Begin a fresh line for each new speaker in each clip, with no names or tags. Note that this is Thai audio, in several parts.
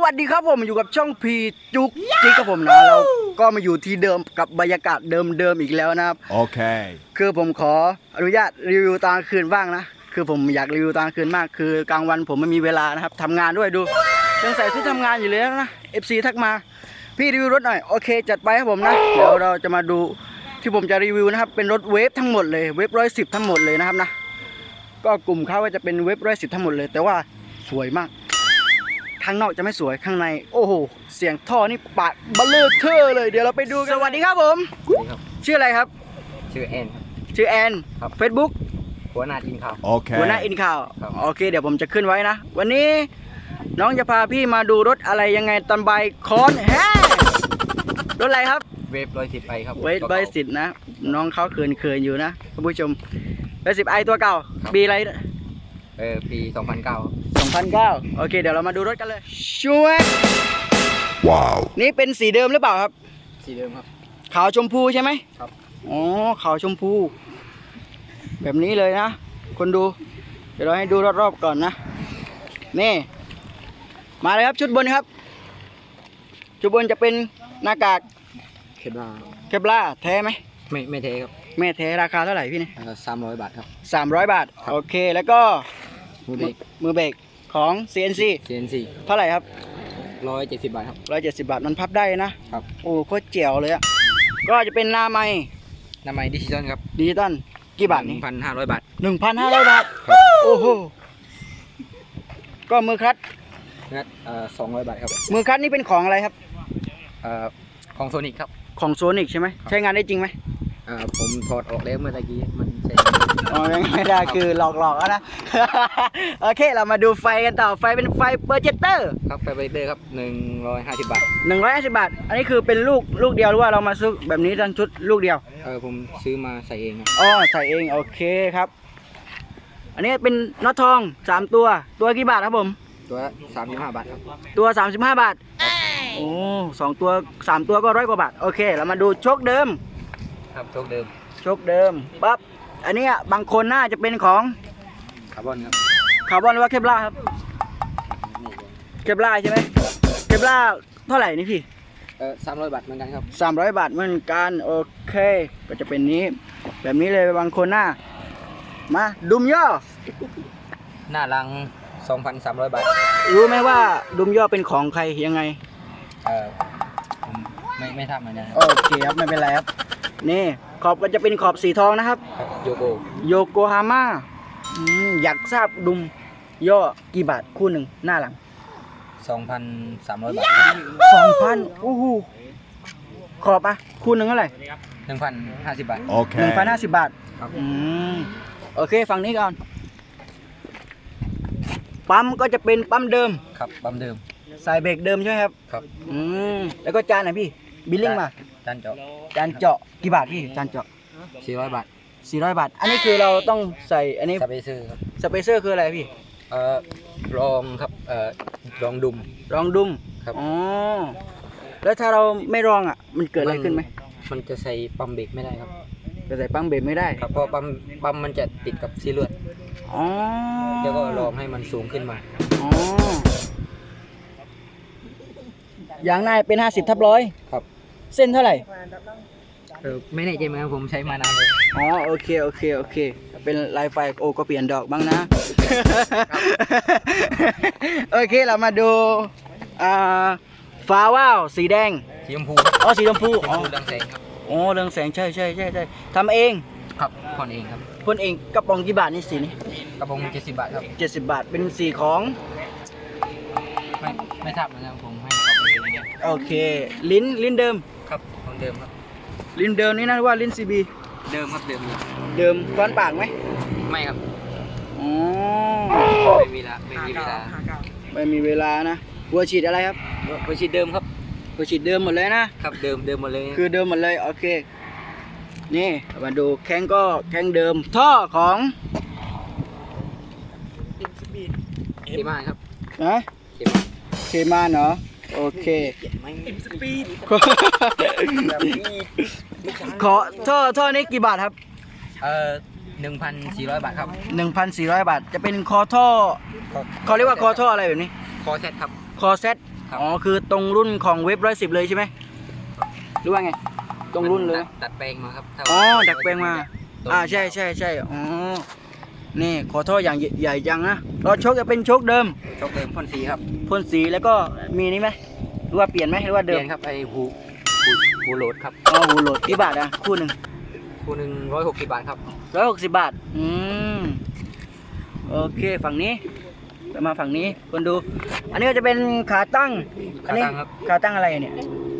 วัสดีครับผมอยู่กับช่องพีจุกจิกครับผมนะเราก็มาอยู่ที่เดิมกับบรรยากาศเดิมอีกแล้วนะครับ
โอเค
คือผมขออนุญาตรีวิวตอนกลางคืนบ้างนะคือผมอยากรีวิวตอนกลางคืนมากคือกลางวันผมไม่มีเวลานะครับทำงานด้วยดูยังใส่ชุดทำงานอยู่เลยนะ FC ทักมาพี่รีวิวรถหน่อยโอเคจัดไปครับผมนะเดี๋ยวเราจะมาดูที่ผมจะรีวิวนะครับเป็นรถเวฟทั้งหมดเลยเวฟ110ทั้งหมดเลยนะครับนะก็กลุ่มเขาก็จะเป็นเวฟ110ทั้งหมดเลยแต่ว่าสวยมากข้างนอกจะไม่สวยข้างในโอ้โหเสียงท่อนี่ปาดเบลเลอร์เทอร์เลยเดี๋ยวเราไปดูกันสวัสดีครับผมชื่ออะไรครับ
ชื่อแอนครับ
ชื่อแอน
ครับ
Facebook
หัวหน้าทีมข่าว
โอเค
หัวหน้าอินข่าว
ครับ
โอเคเดี๋ยวผมจะขึ้นไว้นะวันนี้น้องจะพาพี่มาดูรถอะไรยังไงตอนบ่ายคอนแฮรถอะไรครับ
เวฟ110ไอครับ
เวทใบสิทธ์นะน้องเขาเขินอยู่นะท่านผู้ชม110ไอตัวเก่าปีอะไร
ปี2009
2009โอเคเดี๋ยวเรามาดูรถกันเลยช่วย
ว้าว
นี่เป็นสีเดิมหรือเปล่าครับ
สีเดิมครับ
ขาวชมพูใช่ไหม
ครับ
อ๋อขาวชมพูแบบนี้เลยนะคนดูเดี๋ยวเราให้ดูรอบๆก่อนนะนี่มาเลยครับชุดบนครับชุดบนจะเป็นหน้ากาก
เคปลา
เคปลาแท้ไหม
ไม่เทครับ
แม่แท้ราคาเท่าไหร่พี่เนี่ย
300 บาทครับ
300 บาทโอเคแล้วก็
มือเบรก
มือเบรกของ CNC
CNC
เท่าไหร่ครับ
170 บาทครับ
170 บาทมันพับได้นะครับ โอ้โคตรเจ๋วเลยอ่ะก็จะเป็นหน้าไม้
น้ำมันดิจิตอลครับ
ดิจิตอลกี่บาทนี่
1,500 บาท
1,500 บาทโอ้โหก็มือคลัตช์
นัด200 บาทครับ
มือคลัตช์นี่เป็นของอะไรครับ
ของโซนิกครับ
ของโซนิกใช่ไหมใช้งานได้จริงไหม
ผมถอดออกแล้วเมื่อตะกี้มันใช้
อ๋อไม่ได้คือหลอกๆนะ โอเคเรามาดูไฟกันต่อไฟเป็นไฟโปรเจคเตอร์
ครับไฟเบรกเตอร์ครับ150 บาท
150 บาทอันนี้คือเป็นลูกเดียวหรือว่าเรามาซื้อแบบนี้ทั้งชุดลูกเดียว
ผมซื้อมาใส่เองครับ
อ๋อใส่เองโอเคครับ อันนี้เป็นน็อตทอง3ตัวกี่บาทครับผม
ตัว35 บาทครับ
ตัว35 บาทโอ้2ตัว3ตัวก็100 กว่าบาทโอเคเรามาดูโชคเดิม
ครับโชคเดิม
โชคเดิมปั๊บอันนี้บางคนน่าจะเป็นของ
คาร์บอนครับ
คาร์บอนหรือว่าเคปลาร์ครับเคปลาร์ใช่ไหมเคปลาร์เท่าไหร่นี่พี่
300 บาทเหมือนกันครับ
300 บาทเหมือนกันโอเคก็จะเป็นนี้แบบนี้เลยบางคนหน้ามาดุมย่อ
หน้ารัง 2,300 บาท
รู้ไหมว่าดุมย่อเป็นของใครยังไง
ผมไม่ทราบเหมือนกันครับ
โอเคครับไม่เป็นไรครับนี่ขอบก็จะเป็นขอบสีทองนะครับ
โยโก
โยโกฮาม่าอยากทราบดุมย่อกี่บาทคู่หนึ่งหน้าหลัง
2,300 บาท
2,000โอ้โหขอบอ่ะคู่หนึ่งเท่าไหร่
1,050 บาท
โอเค
1,050 บาท
ครับ
โอเคฝั่งนี้ก่อนปั๊มก็จะเป็นปั๊มเดิม
ครับปั๊มเดิม
ใส่เบรกเดิมใช่ไหมครับ
ครับ
แล้วก็จานไหนพี่บิลลิ่งมา
จานเจาะ
จานเจาะกี่บาทพี่จานเจาะ
400 บาท
400 บาทอันนี้คือเราต้องใส่อันนี้
สเปเซอร์ครับ
สเปเซอร์คืออะไรพี่
รองครับรองดุม
รองดุม
ครับ
อ๋อแล้วถ้าเราไม่รองอ่ะมันเกิดอะไรขึ้นไหม
มันจะใส่ปั๊มเบรกไม่ได้ครับ
จะใส่ปั๊มเบรกไม่ได้
ครับเพราะปั๊มมันจะติดกับซีลวด
อ๋อ
แล้วก็รองให้มันสูงขึ้นมา
อ๋อยางหน้าเป็น50/100
ครับ
เส้นเท่าไหร่
ไม่แน่ใจเหมือนกันผมใช้มานานเลย
อ๋อโอเคเป็นลายไฟโอก็เปลี่ยนดอกบ้างนะ โอเคเรามาดูฟ้าว่าวสีแดง
สีชมพู
อ๋อสีชมพู
ชม
อ๋อ
พูดังแสงครับ
โอ้เรืองแสงใช่ทำเอง
ครับพ่นเองครับ
พ่นเองกระป๋องกี่บาทนี่สีนี้
กระบอง70 บาทครับ
70 บาทเป็นสีของ
ไม่ทราบเหมือนกันผมให้เขาไปเองเนี่ย
โอเคลิ้นเดิม
ครับของเดิมครับ
ลิ้นเดิมนี่นะว่าลิ้น CB
เดิมครับเดิมเลย
เดิมก้อนปากไหม
ไม่ครับ
อ๋อ
ไม่มีเวลาไม่มีเวลา
ไม่มีเวลานะหัวฉีดอะไรครับ
ไปฉีดเดิมครับ
หัวฉีดเดิมหมดเลยนะครับ
เดิมหมดเลย
คือเดิมหมดเลยโอเคนี่มาดูแข้งก็แข้งเดิมท่อของ
เคมาครับ
นะ
เคมา
เคมาเนาะโอเค ขอท่อนี้กี่บาทครับ
1,400 บาทครับ
1,400 บาทจะเป็นคอท่อเขาเรียกว่าคอท่ออะไรแบบนี้
คอเซ็ตครับ
คอเซต
ครับ
อ๋อคือตรงรุ่นของเว็บ110เลยใช่ไหมหรือว่าไงตรงรุ่นเลย
ดัดแปลงมาครับถ้า
อ๋อดัดแปลงมา
ตรง
ใช่อ๋อนี่ขอโทษอย่างใหญ่จังนะรถโชคจะเป็นโชคเดิม
โชคเดิมพ่นสีครับ
พ่นสีแล้วก็มีนี่ไหมหรือว่าเปลี่ยนไหมหรือว่า
เป
เดิ
ลี่
ม
ยนครับไอ้หูโหลดครับ
อ๋อหูโหลดกี่บาทอ่ะคู่หนึ่ง
คู่หนึ่ง160 บาทครับ
160 บาทโอเคฝั่งนี้ไปมาฝั่งนี้คนดู อันนี้ก็จะเป็นขาตั้งอันนี้
ขาตั้งครับ
ขาตั้งอะไรเนี่ย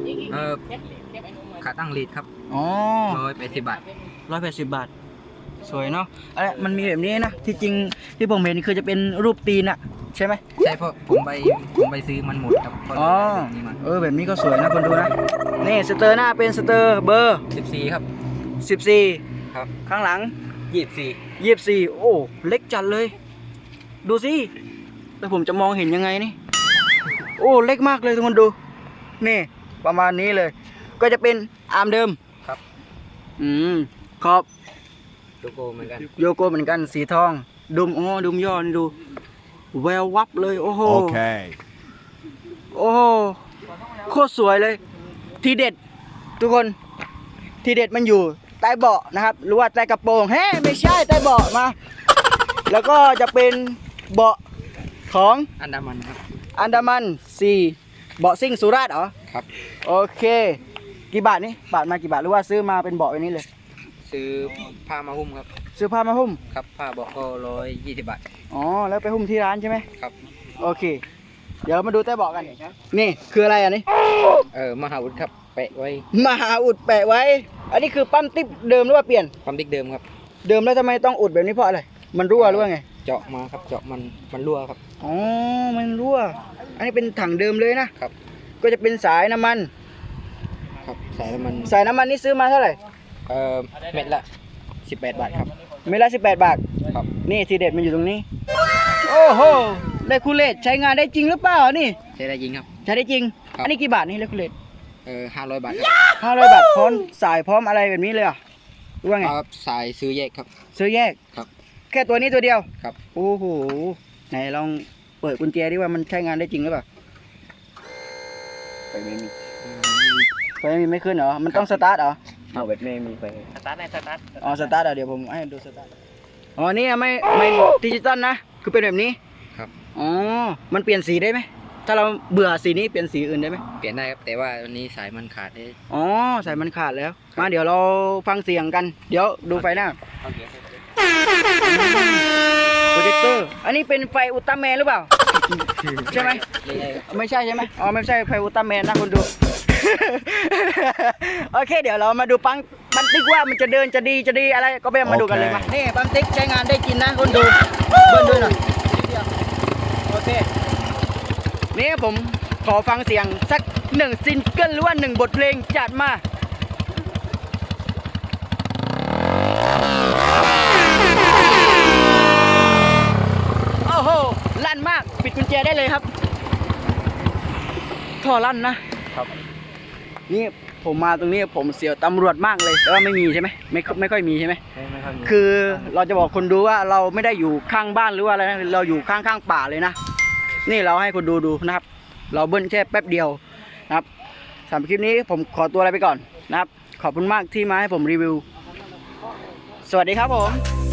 ขาตั้งลีดครับ
อ๋อ
180 บาท
180 บาท สวยเนาะอะไรมันมีแบบนี้นะที่จริงที่ผมเห็นคือจะเป็นรูปตีนอะใช่ไหม
ใช่เพราะผมไปซื้อมันหมดครับก็เลย
อ๋อ
แบบนี้มา
แบบนี้ก็สวยนะคนดูนะนี่สเตอร์หน้าเป็นสเตอร์เบอร์
14ครับ
14
ครับ
ข้างหลัง
24
24โอ้เล็กจัดเลย ดูสิแล้วผมจะมองเห็นยังไงนี่ โอ้เล็กมากเลยทุกคนดู นี่ประมาณนี้เลย ก็จะเป็นอาร์มเดิม
ครับ
ขอบ
โลโก้เหมือนกัน
โยโก้เหมือนกันสีทองดุมดุมย่อนี่ดูแวววับเลยโอ้โห
Okay.
โอ้โหโคตรสวยเลย ทีเด็ดทุกคนทีเด็ดมันอยู่ใต้เบาะนะครับ หรือว่าใต้กระโปรงเฮ้ไม่ใช่ใต้เบาะมา แล้วก็จะเป็นเบาะของ
อันดามันครับ
อันดามัน4เบาะซิ่งสุราษฎร์เหรอ
ครับ
โอเค กี่บาทนี่บาทมากี่บาทหรือว่าซื้อมาเป็นเบาะแบบนี้เลย
ซื้อผ้ามาหุ้มครับ
ซื้อผ้ามาหุ้ม
ครับผ้าบอกก็120 บาท
อ๋อแล้วไปหุ้มที่ร้านใช่ไหม
ครับ
โอเค เดี๋ยวมาดูใต้เบาะกันนี่คืออะไรอันนี้
มหาวุฒิครับแปะไว้
มหาอุดแปะไว้ อันนี้คือปั๊มติ๊บเดิมหรือว่าเปลี่ยน
ความดิกเดิมครับ
เดิมแล้วทำไมต้องอุดแบบนี้เพราะอะไร มันรั่วหรือว่าไง
เจาะมาครับเจาะมันรั่วครับ
อ๋อ มันรั่ว อันนี้เป็นถังเดิมเลยนะ
ครับ
ก็จะเป็นสายน้ำมัน
ครับสายน้ำมัน
สายน้ำมันนี่ซื้อมาเท่าไหร่
เม็ดละ18 บาทครับ
เมตรละ18 บาท
ครับ
นี่ทีเด็ดมันอยู่ตรงนี้ โอ้โหเลคูเลตใช้งานได้จริงหรือเปล่านี่
ใช้ได้ยิงครับ
ใช้ได้จริง
ครับ
อันนี้กี่บาทนี่เลคูเลต
500 บาทครับ
500 บาทพร้อมสายพร้อมอะไรแบบนี้เลยเหรอ่ะหรือว่าไง
ครับสายซื้อแยกครับ
ซื้อแยก
ครับ
แค่ตัวนี้ตัวเดียว
ครับ
โอ้โห ไหนลองเปิดกุญแจดิว่ามันใช้งานได้จริงหรือเปล่า
ไฟไม่มี
ไฟไม่ขึ้นเหรอ มันต้องสตาร์ทเหรอ
เอาเว็บไม่มีไฟ
สตาร์ทอ๋อสตาร์ทเดี๋ยวผมให้ดูสตาร์ทอ๋อนี่ไม่ดิจิตอลนะ คือเป็นแบบนี้
ครับ
อ๋อ มันเปลี่ยนสีได้ไหม ถ้าเราเบื่อสีนี้เปลี่ยนสีอื่นได้ไหม
เปลี่ยนได้ครับแต่ว่าวันนี้สายมันขาดได้
อ๋อสายมันขาดแล้ว มาเดี๋ยวเราฟังเสียงกัน เดี๋ยวดูไฟหน้า
เอาเกียร์
โปรเจคเตอร์ อันนี้เป็นไฟอุลตร้าแมนหรือเปล่า ใช่ไหม
เรื่อยๆครับ
ไม่ใช่ใช่ไหมอ๋อไม่ใช่ไฟอุลตร้าแมนนะคนดู โอเค เดี๋ยวเรามาดูปั๊มติ๊กว่ามันจะเดินจะดีอะไรก็ไปมาดูกันเลยมานี่ปั๊มติ๊กใช้งานได้จริงนะคนดูเบิ้ลด้วยหน่อยโอเคนี่ผมขอฟังเสียงสัก1ซิงเกิลหรือว่า1บทเพลงจัดมาโอ้โหลั่นมากปิดกุญแจได้เลยครับท่อลั่นนะครับ นี่ผมมาตรงนี้ผมเสียวตำรวจมากเลยแต่ว่าไม่มีใช่ไหมไม่ค่อยมีใช่ไหม
ไม่ค่อยมี
คือเราจะบอกคนดูว่าเราไม่ได้อยู่ข้างบ้านหรือว่าอะไรนะเราอยู่ข้างป่าเลยนะนี่เราให้คนดูนะครับ เราเบิ้ลแค่แป๊บเดียวนะครับสำหรับคลิปนี้ผมขอตัวอะไรไปก่อนนะครับขอบคุณมากที่มาให้ผมรีวิวสวัสดีครับผม